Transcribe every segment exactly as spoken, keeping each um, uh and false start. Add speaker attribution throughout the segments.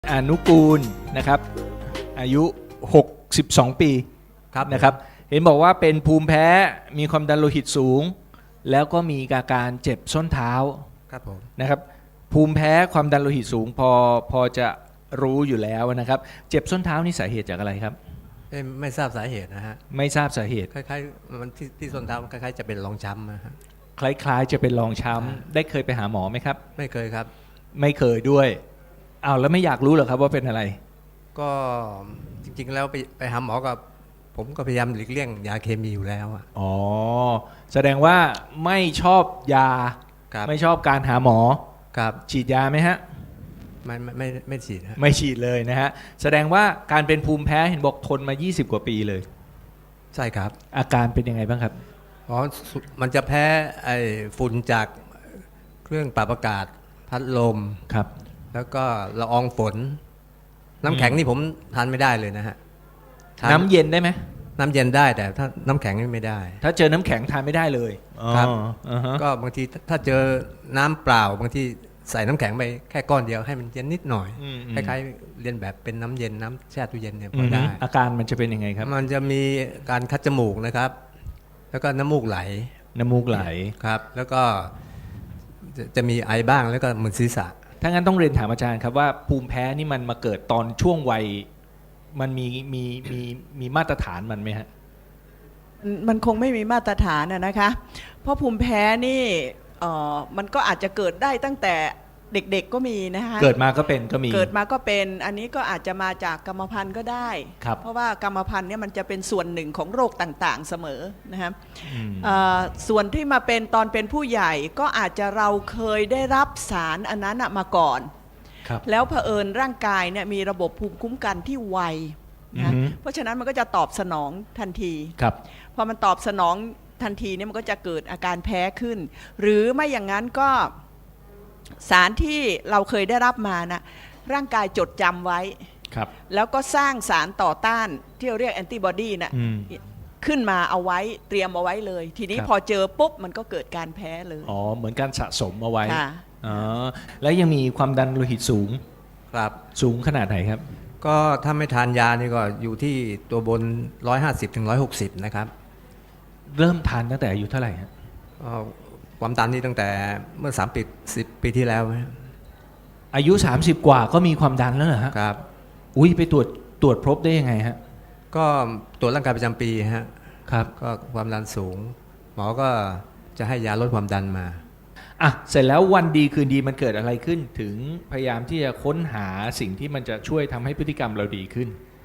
Speaker 1: อนุกูลนะครับอายุหกสิบสองปีครับนะครับเห็นบอกว่าเป็นภูมิแพ้มีความดันโลหิตสูงแล้วก็มีอาการเจ็บส้นเท้า
Speaker 2: ครับผม
Speaker 1: นะครับภูมิแพ้ความดันโลหิตสูงพอพอจะรู้อยู่แล้วนะครับเจ็บส้นเท้านี่สาเหตุจากอะไรครับ
Speaker 2: ไม่ไม่ทราบสาเหตุนะฮะ
Speaker 1: ไม่ทราบสาเหตุ
Speaker 2: คล้ายๆมันที่ที่ส้นเท้าคล้ายๆจะเป็นรองช้ำนะฮะ
Speaker 1: คล้ายๆจะเป็นรองช้ำได้เคยไปหาหมอไหมครับ
Speaker 2: ไม่เคยครับ
Speaker 1: ไม่เคยด้วยอ้าวแล้วไม่อยากรู้เหรอครับว่าเป็นอะไร
Speaker 2: ก็จริงๆแล้วไปไปหาหมอกับผมก็พยายามหลีกเลี่ยงยาเคมีอยู่แล้ว
Speaker 1: อ๋อแสดงว่าไม่ชอบยาไม่ชอบการหาหมอ
Speaker 2: ครับ
Speaker 1: ฉีดยาไหมฮะ
Speaker 2: ไม่ไม่ไม่ไม่ฉีดฮะ
Speaker 1: ไม่ฉีดเลยนะฮะแสดงว่าการเป็นภูมิแพ้เห็นบอกทนมายี่สิบกว่าปีเลย
Speaker 2: ใช่ครับ
Speaker 1: อาการเป็นยังไงบ้างครับ
Speaker 2: อ๋อมันจะแพ้ไอ้ฝุ่นจากเครื่องปรับอากาศพัดลม
Speaker 1: ครับ
Speaker 2: แล้วก็ละอองฝนน้ำแข็งนี่ผมทานไม่ได้เลยนะฮะ
Speaker 1: น้ำเย็นได้ไหม
Speaker 2: น้ำเย็นได้แต่ถ้าน้ำแข็งไม่ได้
Speaker 1: ถ้าเจอน้ำแข็งทานไม่ได้เลย
Speaker 2: ครับก็บางทีถ้าเจอน้ำเปล่าบางทีใส่น้ำแข็งไปแค่ก้อนเดียวให้มันเย็นนิดหน่อยคล้ายๆเรียนแบบเป็นน้ำเย็นน้ำแช่ตู้เย็นเนี่ยพอได้
Speaker 1: อาการมันจะเป็นยังไงครับ
Speaker 2: มันจะมีการคัดจมูกนะครับแล้วก็น้ำมูกไหล
Speaker 1: น้ำมูกไหล
Speaker 2: ครับแล้วก็จะมีไอบ้างแล้วก็มึนศีรษะ
Speaker 1: ถ้างั้นต้องเรียนถามอาจารย์ครับว่าภูมิแพ้นี่มันมาเกิดตอนช่วงวัยมันมีมีมีมีมาตรฐานมันไหมฮะ
Speaker 3: มันคงไม่มีมาตรฐานนะคะเพราะภูมิแพ้นี่เอ่อมันก็อาจจะเกิดได้ตั้งแต่เด็กๆก็มีนะคะ
Speaker 1: เกิดมาก็เป็นก็มี
Speaker 3: เกิดมาก็เป็นอันนี้ก็อาจจะมาจากกรรมพันธุ์ก็ได้เพราะว่ากรรมพันธุ์เนี่ยมันจะเป็นส่วนหนึ่งของโรคต่างๆเสมอนะครับส่วนที่มาเป็นตอนเป็นผู้ใหญ่ก็อาจจะเราเคยได้รับสารอันนั้นมาก่อนแล้วเผอิญร่างกายเนี่ยมีระบบภูมิคุ้มกันที่ไวนะเพราะฉะนั้นมันก็จะตอบสนองทันทีพอมันตอบสนองทันทีเนี่ยมันก็จะเกิดอาการแพ้ขึ้นหรือไม่อย่างนั้นก็สารที่เราเคยได้รับมานะร่างกายจดจำไว้แล้วก็สร้างสารต่อต้านที่เราเรียกแอนติบอดีนะขึ้นมาเอาไว้เตรียมเอาไว้เลยทีนี้พอเจอปุ๊บมันก็เกิดการแพ้เลย
Speaker 1: อ๋อเหมือนการสะสมเอาไว้อ๋อแล้วยังมีความดันโลหิตสูง
Speaker 2: ครับ
Speaker 1: สูงขนาดไหนครับ
Speaker 2: ก็ถ้าไม่ทานยานี่ก็อยู่ที่ตัวบนหนึ่งร้อยห้าสิบถึงหนึ่งร้อยหกสิบนะครับ
Speaker 1: เริ่มทานตั้งแต่อายุเท่าไหร่ครับ
Speaker 2: ความดันนี่ตั้งแต่เมื่อสามปีสิบปีที่แล้ว
Speaker 1: อายุสามสิบกว่าก็มีความดันแล้วเหรอฮะ
Speaker 2: ครับ
Speaker 1: อุ้ยไปตรวจตรวจพบได้ยังไงฮะ
Speaker 2: ก็ตรวจร่างกายประจำปีฮะ
Speaker 1: ครับ
Speaker 2: ก็ความดันสูงหมอก็จะให้ยาลดความดันมา
Speaker 1: อ่ะเสร็จแล้ววันดีคืนดีมันเกิดอะไรขึ้นถึงพยายามที่จะค้นหาสิ่งที่มันจะช่วยทำให้พฤติกรรมเราดีขึ้น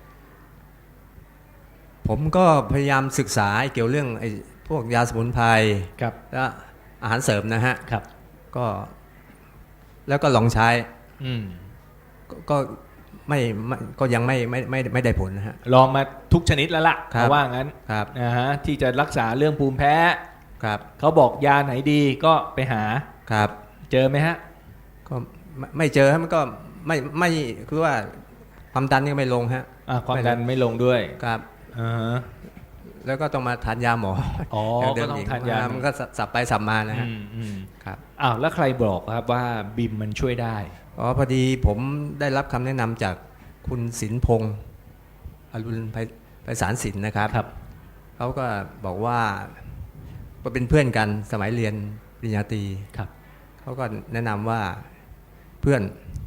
Speaker 2: ผมก็พยายามศึกษาเกี่ยวเรื่องไอ้พวกยาสมุนไพรและอาหารเสริมนะฮะ
Speaker 1: ครับ
Speaker 2: ก็แล้วก็ลองใช้
Speaker 1: อืม
Speaker 2: ก็ไม่ก็ยังไม่ไม่ไม่ไม่ได้ผลนะฮะ
Speaker 1: ลองมาทุกชนิดแล้วล่ะเพราะว่างั้นนะฮะที่จะรักษาเรื่องภูมิแพ้
Speaker 2: ครับ
Speaker 1: เขาบอกยาไหนดีก็ไปหา
Speaker 2: ครับ
Speaker 1: เจอไหมฮะ
Speaker 2: ก็ไม่เจอฮะมันก็ไม่ไม่คือว่าความดันนี่ไม่ลงฮะ
Speaker 1: ความดันไม่ลงด้วย
Speaker 2: ครับ
Speaker 1: อ่า
Speaker 2: แล้วก็ต้องมาทานยาหมอ
Speaker 1: อ๋อก็ต้องทานยา
Speaker 2: มันก็สับไปสับมานะฮะ
Speaker 1: ครับอ้าวแล้วใครบอกครับว่าบิมมันช่วยได้
Speaker 2: อ๋อพอดีผมได้รับคำแนะนำจากคุณศิลพงศ์อรุณไพศาลศิลป์นะครับเขาก็บอกว่าเป็นเพื่อนกันสมัยเรียนปริญญาตรีเขาก็แนะนำว่าเพื่อน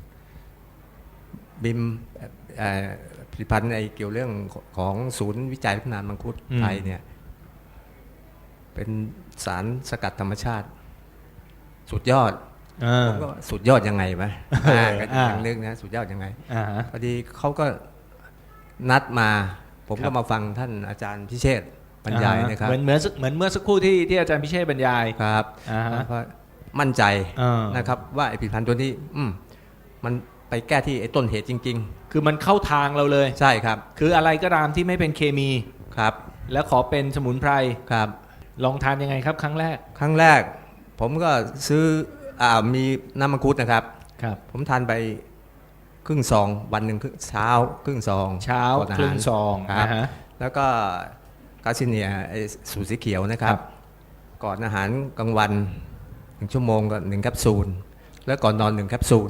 Speaker 2: บิมผลิตภัณฑ์ในเกี่ยวเรื่องของศูนย์วิจัยพัฒนามังคุดไทยเนี่ยเป็นสารสกัดธรรมชาติสุดยอดผมก็สุดยอดยังไงไหมยังนึกนะสุดยอดยังไงพอดีเขาก็นัดมาผมก็มาฟังท่านอาจารย์พิเชษฐ์บรรยายนะครับ
Speaker 1: เหมือนเหมือนเหมือนเมื่อสักครู่ที่ที่อาจารย์พิเชษฐ์บรรยาย
Speaker 2: ครับเพราะมั่นใจนะครับว่าไอ้ผลิตภัณฑ์ตัวนี้มันไปแก้ที่ไอ้ต้นเหตุจริง
Speaker 1: ๆคือมันเข้าทางเราเลย
Speaker 2: ใช่ครับ
Speaker 1: คืออะไรก็ตามที่ไม่เป็นเคมี
Speaker 2: ครับ
Speaker 1: แล้วขอเป็นสมุนไพร
Speaker 2: ครับ
Speaker 1: ลองทานยังไงครับครั้งแรก
Speaker 2: ครั้งแรกผมก็ซื้ออ่ามีน้ำมังคุดนะครับ
Speaker 1: ครับ
Speaker 2: ผมทานไปครึ่งซองวันหนึ่งเช้าครึ่งซอง
Speaker 1: เช้าครึ่งซอง
Speaker 2: ครับแล้วก็กาซิเนียไอ้สูตรสีเขียวนะครับก่อนอาหารกลางวันหนึ่งชั่วโมงก็หนึ่งแคปซูลแล้วก่อนนอนหนึ่งแคปซูล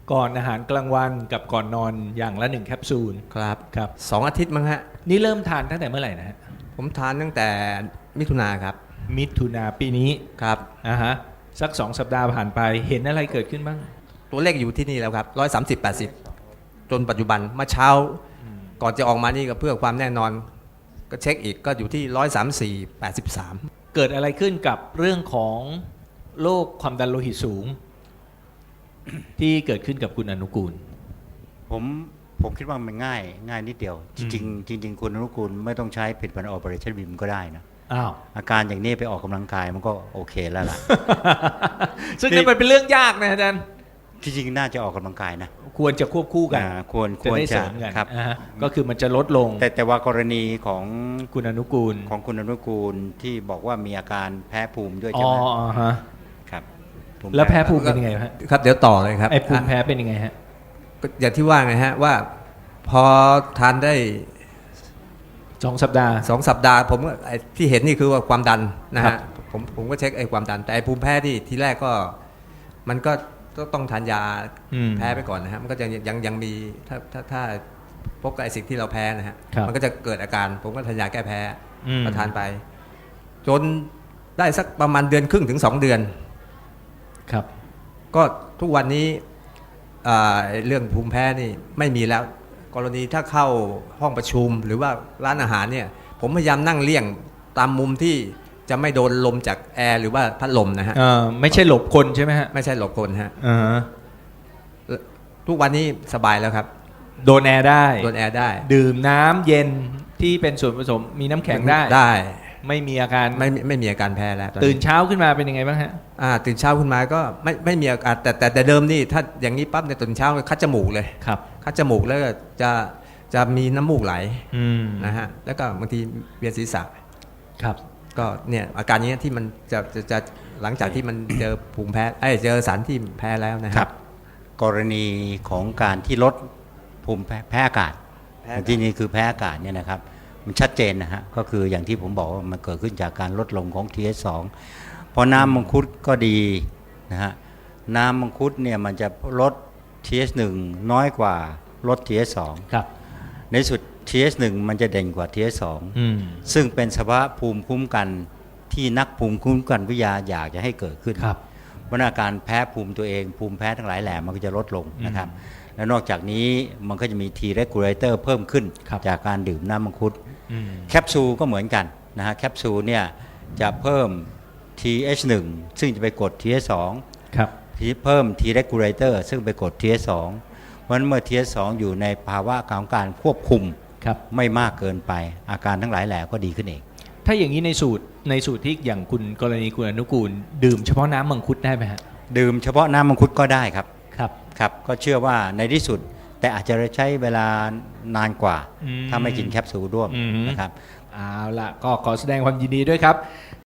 Speaker 1: ก่อนอาหารกลางวันกับก่อนนอนอย่างละหนึ่งแคปซูล
Speaker 2: ครับ
Speaker 1: ครับ
Speaker 2: สองอาทิตย์มั้งฮะ
Speaker 1: นี่เริ่มทานตั้งแต่เมื่อไหร่นะฮะ
Speaker 2: ผมทานตั้งแต่มิถุนาครับ
Speaker 1: มิถุนาปีนี้
Speaker 2: ครับ
Speaker 1: อ่าฮะสักสองสัปดาห์ผ่านไปเห็นอะไรเกิดขึ้นบ้าง
Speaker 2: ตัวเลขอยู่ที่นี่แล้วครับร้อยสามสิบแปดสิบจนปัจจุบันเมื่อเช้า ก่อนจะออกมานี่ก็เพื่อความแน่นอน ก็เช็คอีกก็อยู่ที่ร้อยสามสี่แปดสิบสาม
Speaker 1: เกิดอะไรขึ้นกับเรื่องของโรคความดันโลหิตสูง ที่เกิดขึ้นกับคุณอนุกูล
Speaker 4: ผมผมคิดว่ามันง่ายง่ายนิดเดียว จริงๆจริงๆคุณอนุกูลไม่ต้องใช้ผลิตภัณฑ์ Operation Beam ก็ได้นะ
Speaker 1: อ้าว
Speaker 4: อาการอย่างนี้ไปออกกำลังกายมันก็โอเคแล้วล่ะ
Speaker 1: ซึ่งนั่นมันเป็นเรื่องยากนะอาจารย์
Speaker 4: จริงๆน่าจะออกกำลังกายนะ
Speaker 1: ควรจะควบคู่กัน
Speaker 4: อ่าควรค
Speaker 1: จะ
Speaker 4: วร
Speaker 1: ได้เส
Speaker 4: จะ
Speaker 1: ริมกัน
Speaker 4: ครับ
Speaker 1: อ่าฮะก็คือมันจะลดลง
Speaker 4: แต่แต่ว่ากรณีของ
Speaker 1: คุณอนุกูล
Speaker 4: ของคุณอนุกูลที่บอกว่ามีอาการแพ้ภูมิด้วย
Speaker 1: อ๋
Speaker 4: ใช่
Speaker 1: อ
Speaker 4: ไหม
Speaker 1: อ่าฮะ
Speaker 4: ครับภูมิ
Speaker 1: แล้วแพ้ภูมิเป็นยังไงฮะ
Speaker 2: ครับเดี๋ยวต่อเลยครับ
Speaker 1: ไอ้ภูมิแพ้เป็นยังไงฮะ
Speaker 2: ก็อย่างที่ว่าไงฮะว่าพอทานได้
Speaker 1: สองสัปดาห์
Speaker 2: สองสัปดาห์ผมก็ไอ้ที่เห็นนี่คือว่าความดันนะ
Speaker 1: ครั
Speaker 2: ฮะ
Speaker 1: บ
Speaker 2: ผมผมก็เช็คไอ้ความดัน แต่ไอ้ภูมิแพ้ที่ทีแรกก็มันก็ต้องต้องทานยา
Speaker 1: อืม
Speaker 2: แพ้ไปก่อนนะฮะมันก็ยังยังยังมีถ้าถ้าถ้าพบกับไอ้สิ่งที่เราแพ้นะฮะ
Speaker 1: ครับ
Speaker 2: มันก็จะเกิดอาการ ผมก็ทานยาแก้แพ้
Speaker 1: อืม
Speaker 2: ก็ทานไป จนได้สักประมาณเดือนครึ่งถึงสองเดือน
Speaker 1: ครับ
Speaker 2: ก็ทุกวันนี้อ่าเรื่องภูมิแพ้นี่ไม่มีแล้ว กรณีถ้าเข้าห้องประชุมหรือว่าร้านอาหารเนี่ยผมพยายามนั่งเลี่ยงตามมุมที่จะไม่โดนลมจากแอร์หรือว่าพัดลมนะฮะ
Speaker 1: เอ่อไม่ใช่หลบคนใช่ไหมฮะ
Speaker 2: ไม่ใช่หลบคนฮะ
Speaker 1: อ่าฮะ
Speaker 2: ทุกวันนี้สบายแล้วครับ
Speaker 1: โดนแอร์ได้
Speaker 2: โดนแอร์ได้
Speaker 1: ดื่มน้ำเย็นที่เป็นส่วนผสมมีน้ำแข็งได้
Speaker 2: ได้
Speaker 1: ไม่มีอาการ
Speaker 2: ไม่ไม่มีอาการแพ้แล้ว
Speaker 1: ตื่นเช้าขึ้นมาเป็นยังไงบ้างฮะ
Speaker 2: อ่าตื่นเช้าขึ้นมาก็ไม่ไม่มีอาการแต่แต่แต่เดิมนี่ถ้าอย่างนี้ปั๊บในยตื่นเช้าคัดจมูกเลย
Speaker 1: ครับ
Speaker 2: คัดจมูกแล้วก็จะจะมีน้ำมูกไหล
Speaker 1: อืม
Speaker 2: นะฮะแล้วก็บางทีเวียนศีรษะ
Speaker 1: ครับ
Speaker 2: ก็เนี่ยอาการนี้ที่มันจะจะจะหลังจากที่มันเจอภูมิแพ้เอ้ยเจอสารที่แพ้แล้วนะค
Speaker 4: ค
Speaker 2: รั
Speaker 4: รับ บ กรณีของการที่ลดภูมิแพ้แพ้อากาศ
Speaker 2: แพ้อากาศ
Speaker 4: ที่นี่คือแพ้อากาศเนี่ยนะครับ มันชัดเจนนะฮะก็คืออย่างที่ผมบอกว่ามันเกิดขึ้นจากการลดลงของ ที เอช สอง พอน้ำมังคุดก็ดีนะฮะน้ำมังคุดเนี่ยมันจะลด ที เอช หนึ่ง น้อยกว่าลด ที เอช สอง
Speaker 1: ครับ
Speaker 4: ในสุด ที เอช หนึ่ง มันจะเด่นกว่า ที เอช สอง
Speaker 1: อืม
Speaker 4: ซึ่งเป็นสภาวะภูมิคุ้มกันที่นักภูมิคุ้มกันวิทยาอยากจะให้เกิดขึ้น
Speaker 1: ครับ
Speaker 4: เพราะอาการแพ้ภูมิตัวเองภูมิแพ้ทั้งหลายแหล่มันก็จะลดลงนะครับ และนอกจากนี้มันก็จะมี T regulator เพิ่มขึ้น
Speaker 1: ครับ
Speaker 4: จากการดื่มน้ำมังคุด
Speaker 1: อืม
Speaker 4: แคปซูลก็เหมือนกันนะฮะแคปซูลเนี่ยจะเพิ่ม ที เอช หนึ่ง ซึ่งจะไปกด ที เอช สอง
Speaker 1: ครับ
Speaker 4: ที่เพิ่ม T regulator ซึ่งไปกด ที เอช สอง เพราะฉะนั้นเมื่อ ที เอช สอง อยู่ในภาวะของการควบคุม
Speaker 1: ครับ
Speaker 4: ไม่มากเกินไป อาการทั้งหลายแหล่ก็ดีขึ้นเอง
Speaker 1: ถ้าอย่างนี้ในสูตรในสูตรที่อย่างคุณกรณีคุณอนุกูล ดื่มเฉพาะน้ำมังคุดได้ไหมฮะ
Speaker 4: ดื่มเฉพาะน้ำมังคุดก็ได้ครับ
Speaker 1: ครับ
Speaker 4: ครับ ก็เชื่อว่าในที่สุดแต่อาจจะใช้เวลานานกว่า
Speaker 1: อืม
Speaker 4: ถ้าไม่กินแคปซูลร่วม
Speaker 1: อืม
Speaker 4: นะครับ
Speaker 1: เอาล่ะก็ขอแสดงความยินดีด้วยครับ